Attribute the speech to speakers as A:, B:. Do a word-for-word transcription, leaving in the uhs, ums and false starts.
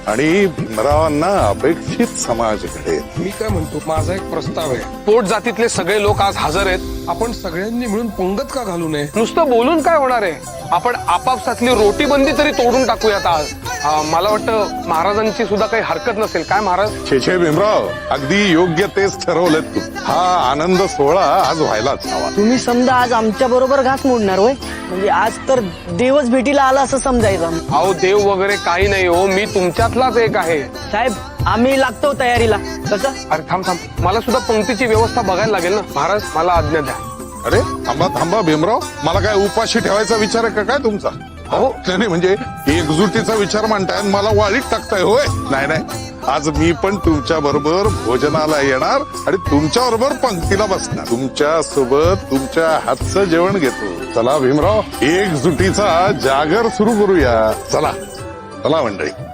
A: आणि भीमरावांना अपेक्षित समाज घडेल.
B: मी काय म्हणतो, माझा एक प्रस्ताव आहे.
C: पोट जातीतले सगळे लोक आज हजर आहेत.
B: आपण सगळ्यांनी मिळून पंगत का घालू नये?
C: नुसतं बोलून काय होणार आहे? आपण आपापसातली रोटी बंदी तरी तोडून टाकूयात आज. आ, मला वाटतं महाराजांची सुद्धा काही हरकत नसेल. काय महाराज?
A: छे छे भीमराव, अगदी योग्य तेच ठरवलं तू. हा आनंद सोहळा आज व्हायलाच हवा.
D: तुम्ही समजा आज आमच्या बरोबर घास मोडणार होय? म्हणजे आज तर देवच भेटीला आला असं समजायचं.
C: अहो देव वगैरे काही नाही हो, मी तुमच्यातलाच एक आहे.
D: साहेब आम्ही लागतो तयारीला. कसं?
C: अरे थांब थांब, मला सुद्धा पंक्तीची व्यवस्था बघायला लागेल ना. महाराज मला आज्ञा द्या.
A: अरे थांबा थांबा भीमराव, मला काय उपाशी ठेवायचा विचार आहे का काय तुमचा?
C: अहो
A: नाही म्हणजे एकजुटीचा विचार मांडताय आणि मला वाळीत टाकताय होय? नाही नाही, आज मी पण तुमच्या बरोबर भोजनाला येणार आणि तुमच्या बरोबर पंक्तीला बसणार. तुमच्या सोबत तुमच्या हातचं जेवण घेतो. चला भीमराव, एकजुटीचा जागर सुरू करूया. चला चला मंडळी.